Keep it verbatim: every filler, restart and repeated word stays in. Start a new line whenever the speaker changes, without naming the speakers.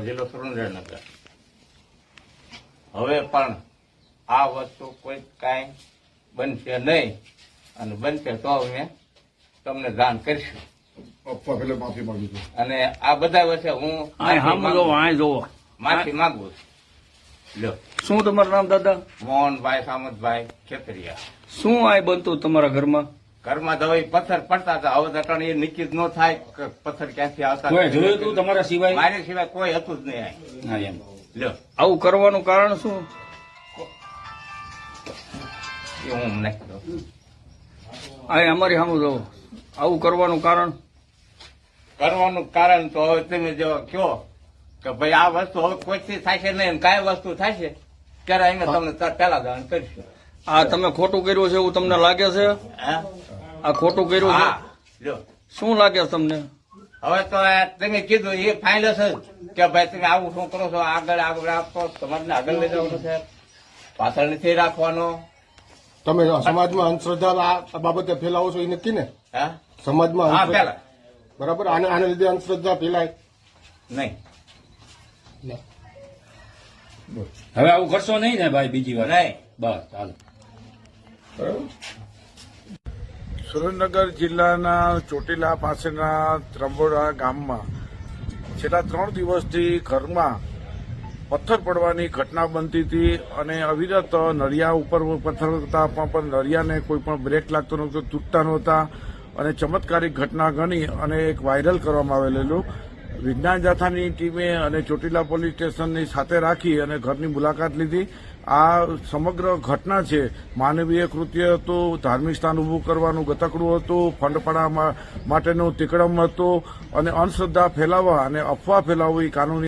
જિલ્લો સુરેન્દ્રનગર. હવે પણ આ વસ્તુ કોઈ કાંઈ બનશે નહીં, અને બનશે તો અમે તમને જાણ કરીશું.
માફી માંગુ છું.
અને આ બધા વચ્ચે હું માફી માંગુ છું. લ્યો,
શું તમારું નામ દાદા?
મોહનભાઈ સામતભાઈ ખેતરિયા.
શું આ બનતું તમારા ઘરમાં?
ઘરમાં દવાઈ પથ્થર પડતા હતા. હવે દટણ એ નિશ્ચિત ન થાય કે પથ્થર ક્યાંથી આવતા.
કોઈ જોયું તું તમારા સિવાય?
મારી સિવાય કોઈ હતું જ નહીં.
હા, એમ.
લ્યો,
આવું કરવાનું કારણ શું?
એ હું નહીં કહું.
આ અમારી સામે જો આવું કરવાનું કારણ
કરવાનું કારણ તો હવે તમે જો કહો કે ભાઈ આ વસ્તુ હવે કોઈથી થાય છે નહીં, કાંઈ વસ્તુ થાય છે ત્યારે અમે તમને પેલા જાણ કરીશું.
આ તમે ખોટું કર્યું છે એવું તમને લાગે છે?
હે?
આ ખોટું કર્યું છે?
હા, લ્યો,
શું લાગે છે તમને?
હવે તો આ તમે કીધું એ ફાઇનલ છે કે ભાઈ તમે આવું શું કરો છો, આગળ આગળ આપો, તમારે આગળ લઈ જવાનું છે, પાછળ નથી રાખવાનો.
તમે સમાજમાં અંધશ્રદ્ધા આ બાબતે ફેલાવો છો એ નક્કી ને?
હા,
સમાજમાં
હા,
અંધશ્રદ્ધા-
પેલા
બરાબર. આને આને લીધે અંધશ્રદ્ધા ફેલાય
નહીં.
હવે આવું કરશો નહીં ને ભાઈ બીજી વાર?
નહીં.
બસ ચાલો.
સુરેન્દ્રનગર જિલ્લાના ચોટીલા પાસેના ત્રંબોડા ગામમાં છેલ્લા ત્રણ દિવસથી ઘરમાં પથ્થર પડવાની ઘટના બનતી હતી અને અવિરત નળિયા ઉપર પથ્થર હતા પણ નળિયાને કોઈ પણ બ્રેક લાગતો નહોતો, તૂટતા નહોતા અને ચમત્કારિક ઘટના ગણી અને એક વાયરલ કરવામાં આવેલું. વિજ્ઞાન જાથાની ટીમે અને ચોટીલા પોલીસ સ્ટેશનની સાથે રાખી અને ઘરની મુલાકાત લીધી. આ સમગ્ર ઘટના છે માનવીય કૃત્ય હતું, ધાર્મિક સ્થાન ઊભું કરવાનું ગતકડું હતું, ફંડપડા માટેનું તિકડમ હતું અને અંધશ્રદ્ધા ફેલાવવા અને અફવા ફેલાવવી કાનૂની